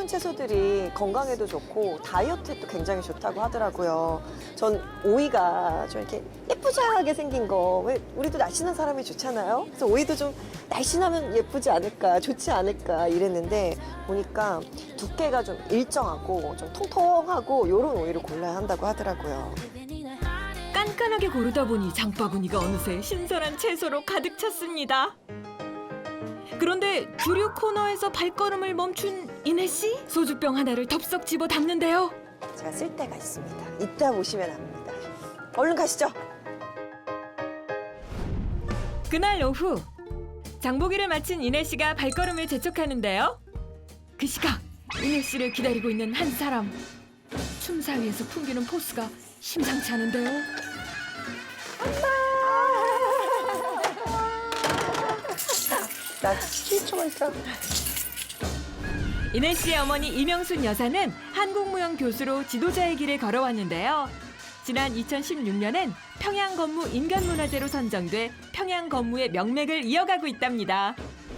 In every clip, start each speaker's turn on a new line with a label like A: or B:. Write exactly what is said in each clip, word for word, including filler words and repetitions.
A: 푸른 채소들이 건강에도 좋고 다이어트에도 굉장히 좋다고 하더라고요. 전 오이가 좀 이렇게 예쁘장하게 생긴 거, 왜 우리도 날씬한 사람이 좋잖아요. 그래서 오이도 좀 날씬하면 예쁘지 않을까, 좋지 않을까 이랬는데 보니까 두께가 좀 일정하고 좀 통통하고 이런 오이를 골라야 한다고 하더라고요.
B: 깐깐하게 고르다 보니 장바구니가 어느새 신선한 채소로 가득 찼습니다. 그런데 주류 코너에서 발걸음을 멈춘 이내 씨, 소주병 하나를 덥석 집어 담는데요.
A: 제가 쓸 데가 있습니다. 이따 보시면 압니다. 얼른 가시죠.
B: 그날 오후 장보기를 마친 이내 씨가 발걸음을 재촉하는데요. 그 시각 이내 씨를 기다리고 있는 한 사람. 춤사 위에서 풍기는 포스가 심상치 않은데요.
A: 나 칠 초만 있어.
B: 이내 씨의 어머니 이명순 여사는 한국무용 교수로 지도자의 길을 걸어왔는데요. 지난 이천십육 년엔 평양건무 인간문화재로 선정돼 평양건무의 명맥을 이어가고 있답니다.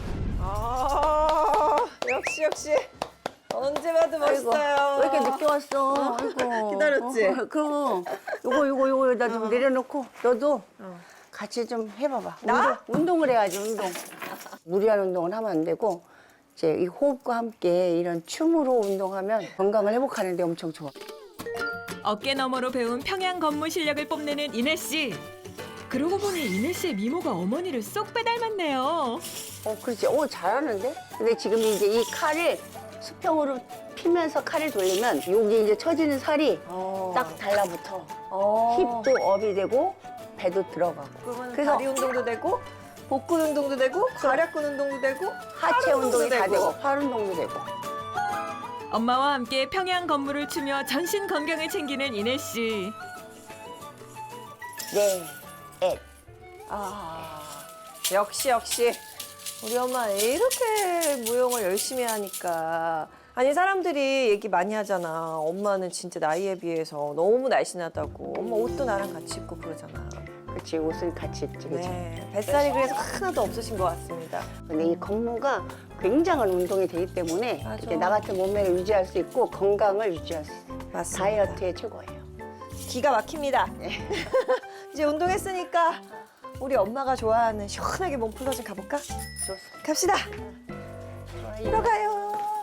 A: 아, 역시 역시. 언제 봐도 멋있어요.
C: 왜 이렇게 늦게 왔어? 아이고.
A: 기다렸지?
C: 어, 그럼 요거 요거 요거 여기다 좀 내려놓고 너도 같이 좀 해봐봐.
A: 나?
C: 운동, 운동을 해야지 운동. 무리한 운동은 하면 안 되고 이제 이 호흡과 함께 이런 춤으로 운동하면 건강을 회복하는 데 엄청 좋아.
B: 어깨 너머로 배운 평양건무 실력을 뽐내는 이내 씨. 그러고 보니 이내 씨의 미모가 어머니를 쏙 빼닮았네요.
C: 어, 그렇지. 오, 잘하는데? 근데 지금 이제 이 칼을 수평으로 피면서 칼을 돌리면 여기 이제 처지는 살이
A: 어.
C: 딱 달라붙어.
A: 어.
C: 힙도 업이 되고 배도 들어가고.
A: 그러면
C: 그래서
A: 다리 운동도 되고 복근 운동도 되고 괄약근 운동도 되고
C: 하체
A: 팔
C: 운동이 다
A: 되고.
C: 되고 팔 운동도 되고.
B: 엄마와 함께 평양건무를 추며 전신 건강을 챙기는 이내 씨.
C: 네, 엣.
A: 아, 역시 역시 우리 엄마 이렇게 무용을 열심히 하니까. 아니 사람들이 얘기 많이 하잖아. 엄마는 진짜 나이에 비해서 너무 날씬하다고. 엄마 옷도 나랑 같이 입고 그러잖아.
C: 그렇지, 옷을 같이 입지, 그렇지.
A: 네, 뱃살이 그래서 하나도 없으신 것 같습니다.
C: 근데 이 건무가 굉장한 운동이 되기 때문에
A: 맞아.
C: 이렇게 나 같은 몸매를 유지할 수 있고 건강을 유지할 수 있어요.
A: 맞습니다.
C: 다이어트에 최고예요.
A: 기가 막힙니다. 이제 운동했으니까 우리 엄마가 좋아하는 시원하게 몸 풀러 좀 가볼까?
C: 좋습니다.
A: 갑시다. 들어가요.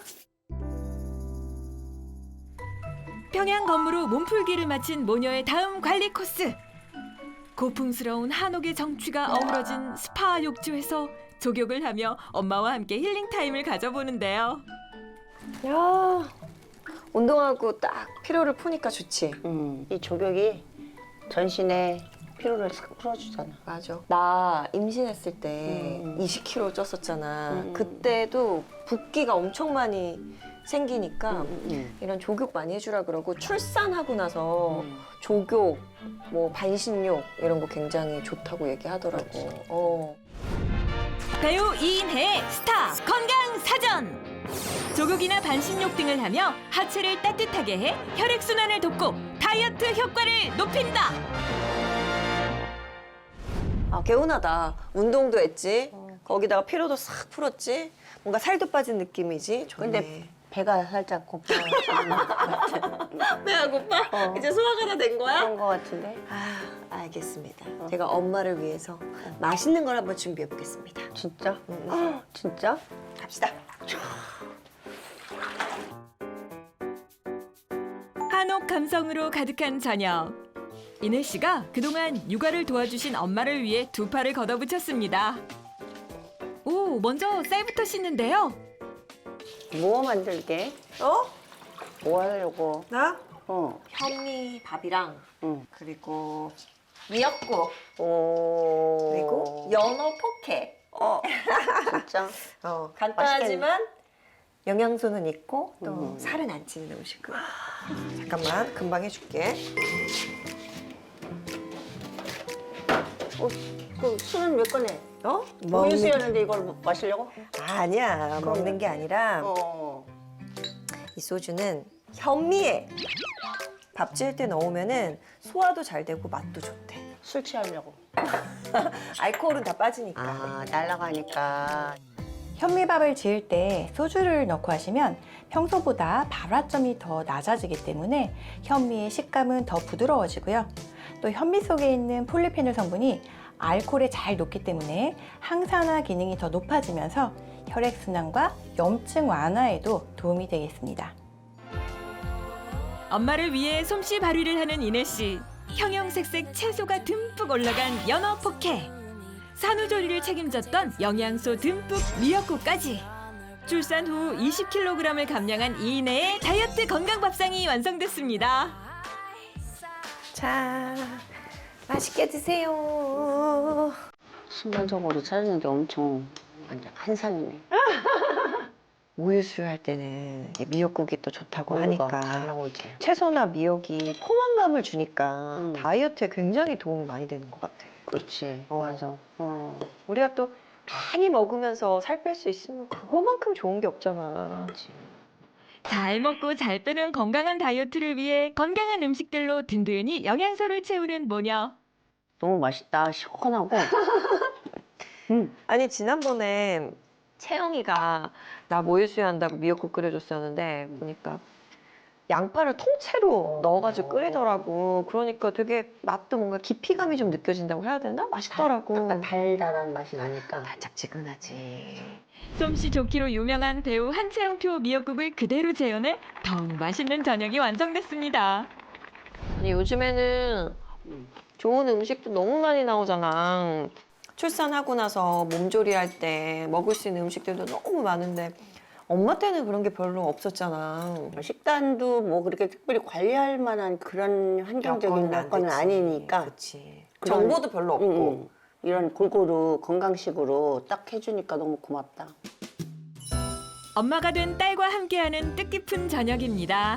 B: 평양건무로 몸풀기를 마친 모녀의 다음 관리 코스. 고풍스러운 한옥의 정취가 어우러진 스파 욕조에서 족욕을 하며 엄마와 함께 힐링 타임을 가져보는데요.
A: 야, 운동하고 딱 피로를 푸니까 좋지.
C: 음, 이 조격이 전신에 피로를 싹 풀어주잖아.
A: 맞아. 나 임신했을 때
C: 음.
A: 이십 킬로그램 쪘었잖아.
C: 음.
A: 그때도 붓기가 엄청 많이 생기니까
C: 음.
A: 이런 조격 많이 해주라 그러고 출산하고 나서
C: 음.
A: 조격, 뭐 반신욕 이런 거 굉장히 좋다고 얘기하더라고. 어.
B: 배우 이인혜의 스타 건강 사전. 조격이나 반신욕 등을 하며 하체를 따뜻하게 해 혈액 순환을 돕고 다이어트 효과를 높인다.
A: 아, 개운하다. 운동도 했지. 거기다가 피로도 싹 풀었지. 뭔가 살도 빠진 느낌이지. 좋네.
C: 근데 배가 살짝 고파.
A: 배가 고파?
C: 어.
A: 이제 소화가 다 된 거야?
C: 그런 거 같은데?
A: 아, 알겠습니다. 제가 엄마를 위해서 맛있는 걸 한번 준비해 보겠습니다.
C: 진짜?
A: 음.
C: 헉, 진짜?
A: 갑시다.
B: 한옥 감성으로 가득한 저녁. 이내 씨가 그동안 육아를 도와주신 엄마를 위해 두 팔을 걷어붙였습니다. 오, 먼저 쌀부터 씻는데요.
C: 뭐 만들게?
A: 어?
C: 뭐 하려고?
A: 나?
C: 어.
A: 현미 밥이랑
C: 응.
A: 그리고 미역국
C: 오.
A: 그리고 연어 포케.
C: 어. 진짜?
A: 어, 간단하지만 영양소는 있고 또
C: 음.
A: 살은 안 찌는 음식을. 잠깐만, 금방 해줄게.
C: 어, 그 술은 왜 꺼내?
A: 어?
C: 우유 수였는데 이걸 마시려고?
A: 아니야, 먹는 게 아니라
C: 어.
A: 이 소주는 현미에 밥 지을 때 넣으면은 소화도 잘 되고 맛도 좋대.
C: 술 취하려고.
A: 알코올은 다 빠지니까.
C: 아, 날아가니까.
D: 현미밥을 지을 때 소주를 넣고 하시면 평소보다 발화점이 더 낮아지기 때문에 현미의 식감은 더 부드러워지고요. 또 현미 속에 있는 폴리페놀 성분이 알코올에 잘 녹기 때문에 항산화 기능이 더 높아지면서 혈액순환과 염증 완화에도 도움이 되겠습니다.
B: 엄마를 위해 솜씨 발휘를 하는 이내 씨. 형형색색 채소가 듬뿍 올라간 연어 포케. 산후조리를 책임졌던 영양소 듬뿍 미역국까지. 출산 후 이십 킬로그램을 감량한 이내의 다이어트 건강 밥상이 완성됐습니다.
A: 자, 맛있게 드세요.
C: 순간적으로 찾았는데 엄청 완전 한상이네.
A: 우유 수유할 때는 이게 미역국이 또 좋다고
C: 우유가
A: 하니까
C: 잘 나오지.
A: 채소나 미역이 포만감을 주니까
C: 음.
A: 다이어트에 굉장히 도움이 많이 되는 것 같아.
C: 그렇지.
A: 어.
C: 맞아. 어.
A: 우리가 또 많이 먹으면서 살 뺄 수 있으면 그거만큼 좋은 게 없잖아.
C: 그렇지.
B: 잘 먹고 잘 빼는 건강한 다이어트를 위해 건강한 음식들로 든든히 영양소를 채우는 모녀.
C: 너무 맛있다. 시원하고. 음.
A: 아니 지난번에 채영이가 나 모유 수유한다고 미역국 끓여줬었는데 보니까 양파를 통째로 넣어가지고 끓이더라고. 그러니까 되게 맛도 뭔가 깊이감이 좀 느껴진다고 해야 되나? 맛있더라고.
C: 약간 달달한 맛이 나니까.
A: 달짝지근하지.
B: 솜씨 좋기로 유명한 배우 한채영표 미역국을 그대로 재현해 더욱 맛있는 저녁이 완성됐습니다.
A: 아니 요즘에는 좋은 음식도 너무 많이 나오잖아. 출산하고 나서 몸조리할 때 먹을 수 있는 음식들도 너무 많은데 엄마 때는 그런 게 별로 없었잖아.
C: 식단도 뭐 그렇게 특별히 관리할 만한 그런 환경적인 여건은 아니니까.
A: 그치.
C: 그런-
A: 정보도 별로 없고.
C: 응, 응. 이런 골고루 건강식으로 딱 해주니까 너무 고맙다.
B: 엄마가 된 딸과 함께하는 뜻깊은 저녁입니다.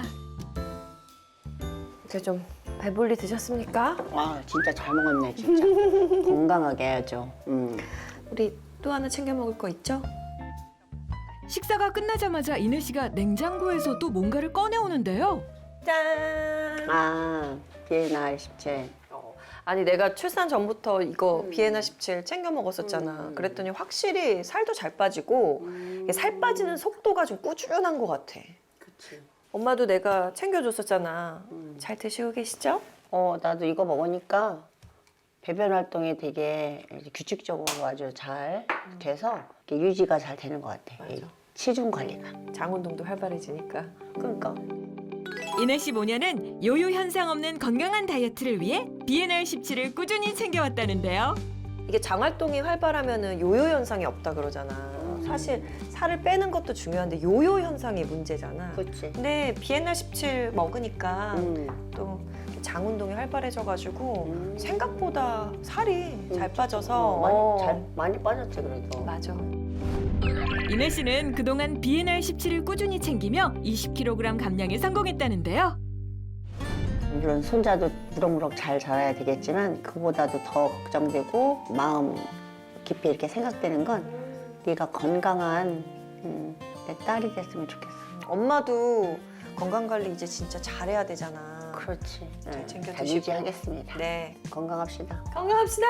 A: 이제 좀 배불리 드셨습니까?
C: 와 진짜 잘 먹었네 진짜. 건강하게 해야죠. 음.
A: 우리 또 하나 챙겨 먹을 거 있죠?
B: 식사가 끝나자마자 이내 씨가 냉장고에서 또 뭔가를 꺼내오는데요.
A: 짠!
C: 아 비엔나 십칠.
A: 아니 내가 출산 전부터 이거
C: 음.
A: 비엔나 십칠 챙겨 먹었었잖아.
C: 음.
A: 그랬더니 확실히 살도 잘 빠지고
C: 음.
A: 이게 살 빠지는 속도가 좀 꾸준한 것 같아.
C: 그치.
A: 엄마도 내가 챙겨줬었잖아.
C: 음.
A: 잘 드시고 계시죠?
C: 어 나도 이거 먹으니까 배변 활동이 되게 규칙적으로 아주 잘 돼서 이렇게 유지가 잘 되는 것 같아. 이 체중 관리가.
A: 장운동도 활발해지니까.
C: 그러니까.
B: 이내 씨 모녀는 요요 현상 없는 건강한 다이어트를 위해 비엔알 십칠을 꾸준히 챙겨왔다는데요.
A: 이게 장활동이 활발하면은 요요 현상이 없다 그러잖아. 사실 살을 빼는 것도 중요한데 요요 현상이 문제잖아.
C: 그렇지.
A: 근데 비엔나 십칠 먹으니까
C: 음.
A: 또 장운동이 활발해져가지고
C: 음.
A: 생각보다 살이 잘 빠져서
C: 어, 많이
A: 어.
C: 잘 많이 빠졌지 그래도.
A: 맞아.
B: 이내 씨는 그동안 비엔알 십칠을 꾸준히 챙기며 이십 킬로그램 감량에 성공했다는데요.
C: 물론 손자도 무럭무럭 잘 자라야 되겠지만 그보다도 더 걱정되고 마음 깊이 이렇게 생각되는 건 네가 건강한 음, 내 딸이 됐으면 좋겠어.
A: 엄마도 건강 관리 이제 진짜 잘해야 되잖아.
C: 그렇지. 네,
A: 챙겨
C: 잘
A: 드시고.
C: 유지하겠습니다.
A: 네.
C: 건강합시다.
A: 건강합시다.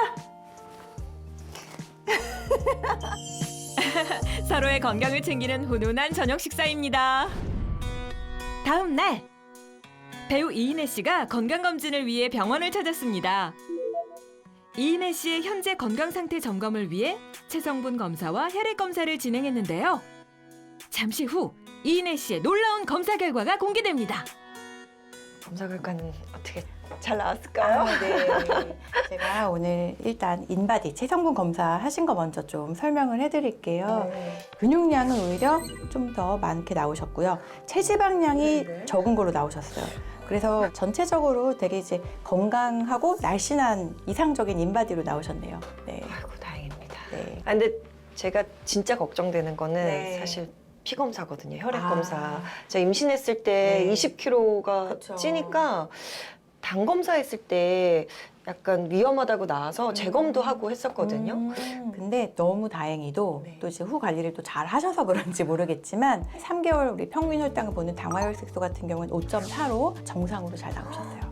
B: 서로의 건강을 챙기는 훈훈한 저녁 식사입니다. 다음 날 배우 이인혜 씨가 건강검진을 위해 병원을 찾았습니다. 이인혜 씨의 현재 건강 상태 점검을 위해 체성분 검사와 혈액 검사를 진행했는데요. 잠시 후 이인혜 씨의 놀라운 검사 결과가 공개됩니다.
A: 검사 결과는 어떻게 잘 나왔을까요?
D: 아, 네. 제가 오늘 일단 인바디 체성분 검사 하신 거 먼저 좀 설명을 해드릴게요.
A: 네.
D: 근육량은 오히려 좀 더 많게 나오셨고요. 체지방량이
A: 네.
D: 적은 걸로 나오셨어요. 그래서 전체적으로 되게 이제 건강하고 날씬한 이상적인 인바디로 나오셨네요. 네.
A: 아이고 다행입니다.
D: 네.
A: 아, 근데 제가 진짜 걱정되는 거는
D: 네.
A: 사실 피 검사거든요. 혈액
D: 아.
A: 검사. 제가 임신했을 때
D: 네.
A: 이십 킬로그램가
D: 그쵸.
A: 찌니까 당 검사했을 때 약간 위험하다고 나와서 재검도 하고 했었거든요.
D: 음, 근데 너무 다행히도
A: 네.
D: 또 이제 후 관리를 또 잘 하셔서 그런지 모르겠지만 삼 개월 우리 평균 혈당을 보는 당화혈색소 같은 경우는 오 점 사로 정상으로 잘 나오셨어요.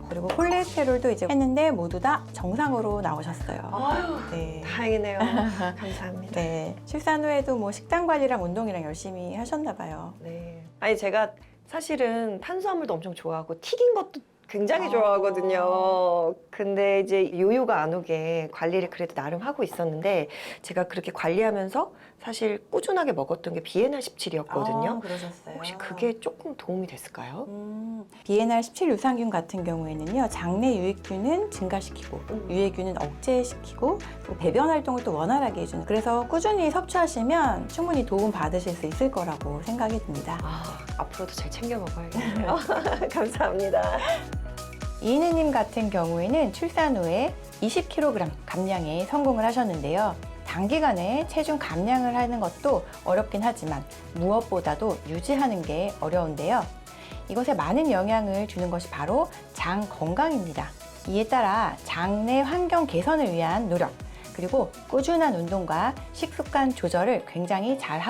D: 그리고 콜레스테롤도 이제 했는데 모두 다 정상으로 나오셨어요.
A: 아유,
D: 네.
A: 다행이네요. 감사합니다.
D: 네. 출산 후에도 뭐 식단 관리랑 운동이랑 열심히 하셨나 봐요.
A: 네. 아니 제가 사실은 탄수화물도 엄청 좋아하고 튀긴 것도 굉장히
D: 아.
A: 좋아하거든요. 근데 이제 요요가 안 오게 관리를 그래도 나름 하고 있었는데 제가 그렇게 관리하면서 사실 꾸준하게 먹었던 게 비엔알 십칠이었거든요.
D: 아, 그러셨어요.
A: 혹시 그게 조금 도움이 됐을까요?
D: 음, 비엔알 십칠 유산균 같은 경우에는요, 장내 유익균은 증가시키고
A: 음.
D: 유해균은 억제시키고 또 배변 활동을 또 원활하게 해주는, 그래서 꾸준히 섭취하시면 충분히 도움 받으실 수 있을 거라고 생각이 듭니다.
A: 아, 앞으로도 잘 챙겨 먹어야겠네요. 감사합니다.
D: 이은혜님 같은 경우에는 출산 후에 이십 킬로그램 감량에 성공을 하셨는데요. 단기간에 체중 감량을 하는 것도 어렵긴 하지만 무엇보다도 유지하는 게 어려운데요. 이것에 많은 영향을 주는 것이 바로 장 건강입니다. 이에 따라 장내 환경 개선을 위한 노력, 그리고 꾸준한 운동과 식습관 조절을 굉장히 잘 하고